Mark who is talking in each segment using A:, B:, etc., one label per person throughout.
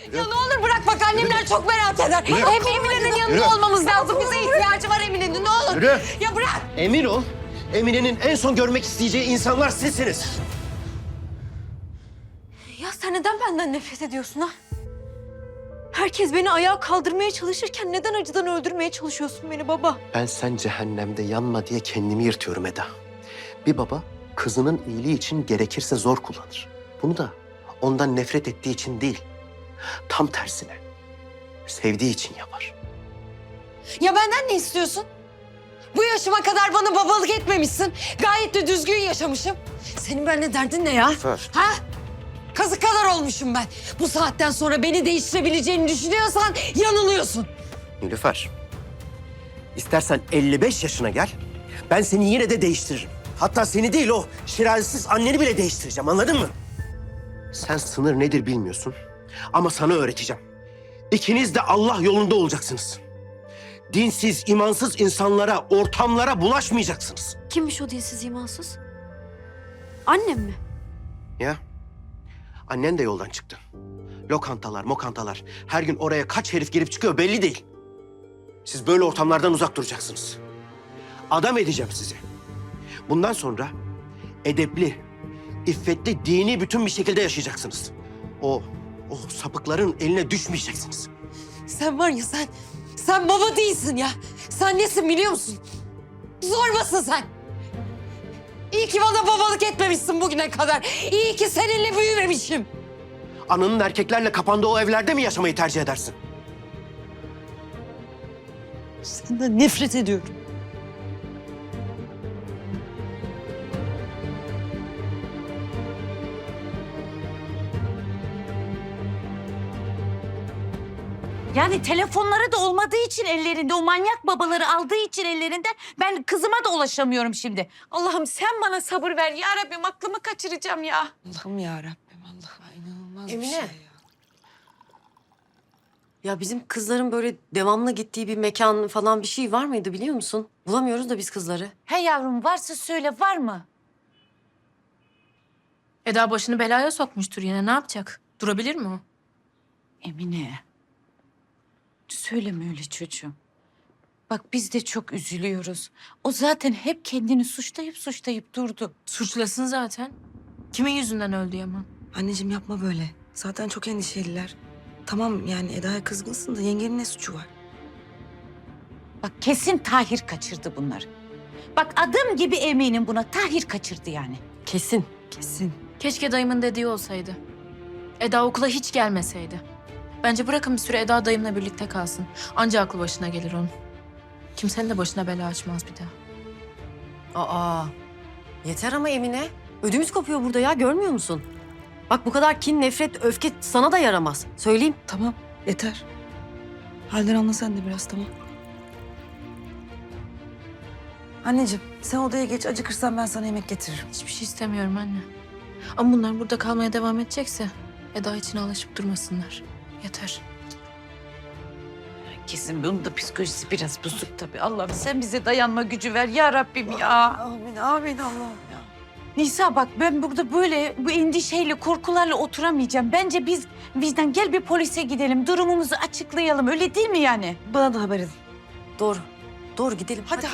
A: Ya ne olur bırak bak annemler çok merak eder. Hep Emine'nin yanında olmamız lazım. Bize ihtiyacı var Emine'nin ne olur.
B: Yürü.
A: Ya bırak.
B: Emin ol, Emine'nin en son görmek isteyeceği insanlar sizsiniz.
A: Ya sen neden benden nefret ediyorsun ha? Herkes beni ayağa kaldırmaya çalışırken neden acıdan öldürmeye çalışıyorsun beni baba?
B: Ben sen cehennemde yanma diye kendimi yırtıyorum Eda. Bir baba kızının iyiliği için gerekirse zor kullanır. Bunu da ondan nefret ettiği için değil, tam tersine sevdiği için yapar.
A: Ya benden ne istiyorsun? Bu yaşıma kadar bana babalık etmemişsin. Gayet de düzgün yaşamışım. Senin benimle derdin ne ya?
B: Nilüfer.
A: Ha? Kazık kadar olmuşum ben. Bu saatten sonra beni değiştirebileceğini düşünüyorsan yanılıyorsun.
B: Nilüfer, istersen 55 yaşına gel, ben seni yine de değiştiririm. Hatta seni değil, o şirazesiz anneni bile değiştireceğim, anladın mı? Sen sınır nedir bilmiyorsun ama sana öğreteceğim. İkiniz de Allah yolunda olacaksınız. Dinsiz, imansız insanlara, ortamlara bulaşmayacaksınız.
A: Kimmiş o dinsiz imansız? Annem mi?
B: Ya, annen de yoldan çıktı. Lokantalar, mokantalar, her gün oraya kaç herif girip çıkıyor belli değil. Siz böyle ortamlardan uzak duracaksınız. Adam edeceğim sizi. Bundan sonra edepli, iffetli, dini bütün bir şekilde yaşayacaksınız. O sapıkların eline düşmeyeceksiniz.
A: Sen var ya sen baba değilsin ya. Sen nesin biliyor musun? Zorbasın sen. İyi ki bana babalık etmemişsin bugüne kadar. İyi ki seninle büyümemişim.
B: Ananın erkeklerle kapandığı o evlerde mi yaşamayı tercih edersin?
A: Senden nefret ediyorum.
C: Yani telefonları da olmadığı için ellerinde, o manyak babaları aldığı için ellerinden ben kızıma da ulaşamıyorum şimdi. Allah'ım sen bana sabır ver ya Rabbim, aklımı kaçıracağım ya.
D: Allah'ım ya Rabbim, Allah'ım inanılmaz
E: Emine.
D: bir şey ya.
E: Ya bizim kızların böyle devamlı gittiği bir mekan falan bir şey var mıydı biliyor musun? Bulamıyoruz da biz kızları.
C: He yavrum, varsa söyle, var mı?
F: Eda başını belaya sokmuştur yine. Ne yapacak? Durabilir mi o?
C: Emine, söyleme öyle çocuğum. Bak biz de çok üzülüyoruz. O zaten hep kendini suçlayıp durdu.
F: Suçlasın zaten. Kimin yüzünden öldü Yaman?
D: Anneciğim yapma böyle. Zaten çok endişeliler. Tamam yani Eda'ya kızgınsın da yengenin ne suçu var?
C: Bak kesin Tahir kaçırdı bunları. Bak adım gibi eminim buna, Tahir kaçırdı yani.
E: Kesin.
D: Kesin.
F: Keşke dayımın dediği olsaydı. Eda okula hiç gelmeseydi. Bence bırakın bir süre Eda dayımla birlikte kalsın. Anca aklı başına gelir onun. Kimsenin de başına bela açmaz bir daha.
E: Aa, yeter ama Emine. Ödümüz kopuyor burada ya, görmüyor musun? Bak bu kadar kin, nefret, öfke sana da yaramaz. Söyleyeyim.
D: Tamam yeter. Halden anla sen de biraz, tamam. Anneciğim sen odaya geç, acıkırsan ben sana yemek getiririm.
F: Hiçbir şey istemiyorum anne. Ama bunlar burada kalmaya devam edecekse Eda için alışıp durmasınlar. Yeter.
C: Kesin bunun da psikolojisi biraz bozuk tabii. Allah'ım sen bize dayanma gücü ver ya Rabbim ya.
D: Amin, amin Allah'ım ya.
C: Nisa bak ben burada böyle bu endişeyle, korkularla oturamayacağım. Bence biz Vicdan gel bir polise gidelim. Durumumuzu açıklayalım. Öyle değil mi yani?
D: Bana da haber edin.
E: Doğru. Doğru gidelim.
D: Hadi.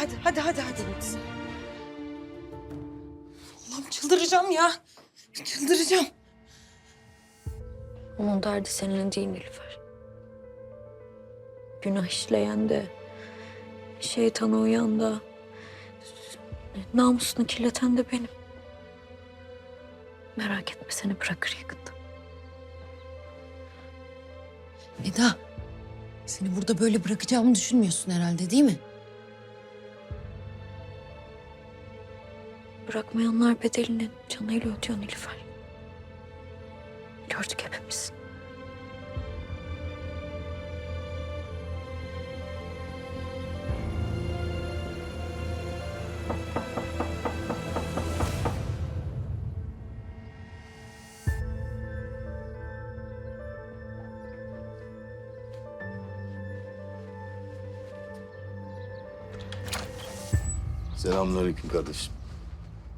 D: Allah'ım çıldıracağım ya. Çıldıracağım.
G: Onun derdi seninle değil Nilüfer. Günah işleyen de, şeytana uyan da, namusunu kirleten de benim. Merak etme seni bırakır yakında.
H: Eda, seni burada böyle bırakacağımı düşünmüyorsun herhalde değil mi?
G: Bırakmayanlar bedelini canıyla ödüyor Nilüfer. Gördük hepimiz.
I: Selamünaleyküm kardeşim.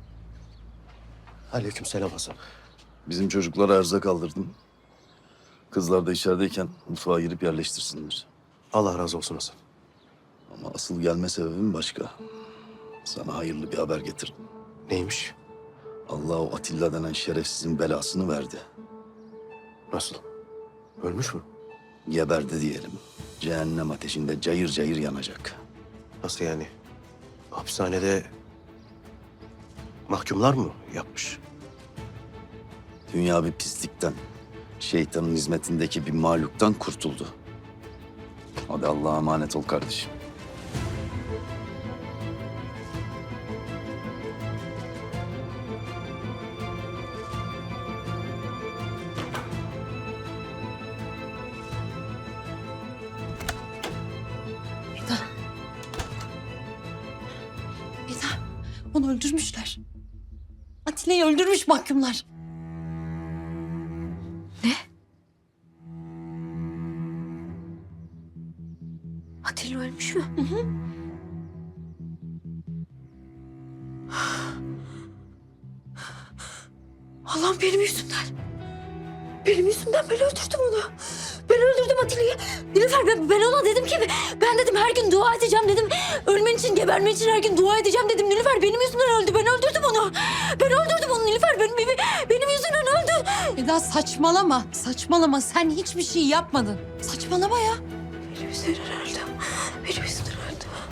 B: Aleykümselam Hasan.
I: Bizim çocuklara erzak aldırdım. Kızlar da içerideyken mutfağa girip yerleştirsinler.
B: Allah razı olsun Hasan.
I: Ama asıl gelme sebebim başka. Sana hayırlı bir haber getirdim.
B: Neymiş?
I: Allah o Atilla denen şerefsizin belasını verdi.
B: Nasıl? Ölmüş mü?
I: Geberdi diyelim. Cehennem ateşinde cayır cayır yanacak.
B: Nasıl yani? Hapishanede mahkumlar mı yapmış?
I: Dünya bir pislikten, şeytanın hizmetindeki bir mahluktan kurtuldu. Hadi Allah'a emanet ol kardeşim.
A: Eda, onu öldürmüşler. Atilla'yı öldürmüş mahkumlar.
G: Atilla ölmüş mü?
A: Allah'ım benim yüzümden. Benim yüzümden ben öldürdüm onu. Ben öldürdüm Atilla'yı. Nilüfer ben ona dedim ki ben dedim her gün dua edeceğim dedim. Ölmen için gebermen için her gün dua edeceğim dedim. Nilüfer benim yüzümden öldü. Ben öldürdüm onu. Ben öldürdüm onu Nilüfer. Benim yüzümden öldü. Eda saçmalama. Saçmalama. Sen hiçbir şey yapmadın. Saçmalama ya.
G: Benim yüzümden öldü. Benim yüzümden öldü.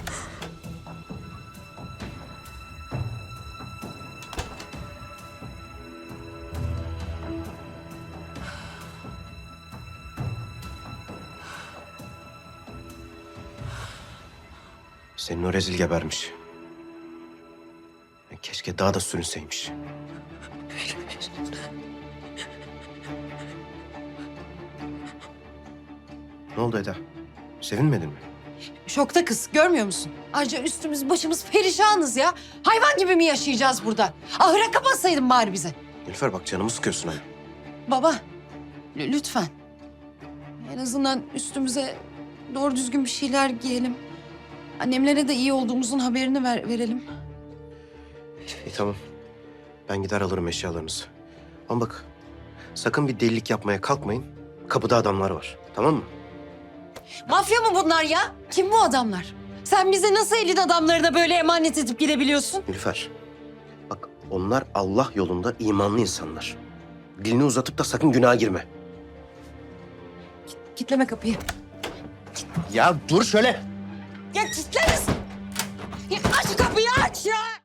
B: Senin o rezil gebermiş. Keşke daha da sürünseymiş. Ne oldu Eda? Sevinmedin mi?
A: Şokta kız. Görmüyor musun? Ayrıca üstümüz başımız perişanız ya. Hayvan gibi mi yaşayacağız burada? Ahıra kapatsaydın bari bize.
B: Nilüfer bak canımı sıkıyorsun ha.
A: Baba, lütfen. En azından üstümüze doğru düzgün bir şeyler giyelim. Annemlere de iyi olduğumuzun haberini verelim.
B: İyi tamam. Ben gider alırım eşyalarınızı. Ama bak sakın bir delilik yapmaya kalkmayın. Kapıda adamlar var. Tamam mı?
A: Mafya mı bunlar ya? Kim bu adamlar? Sen bize nasıl elin adamlarına böyle emanet edip gidebiliyorsun?
B: Nilüfer. Bak onlar Allah yolunda imanlı insanlar. Dilini uzatıp da sakın günaha girme.
A: Kitleme kapıyı.
B: Ya dur şöyle.
A: Ya kitleriz. Ya aç kapıyı aç ya.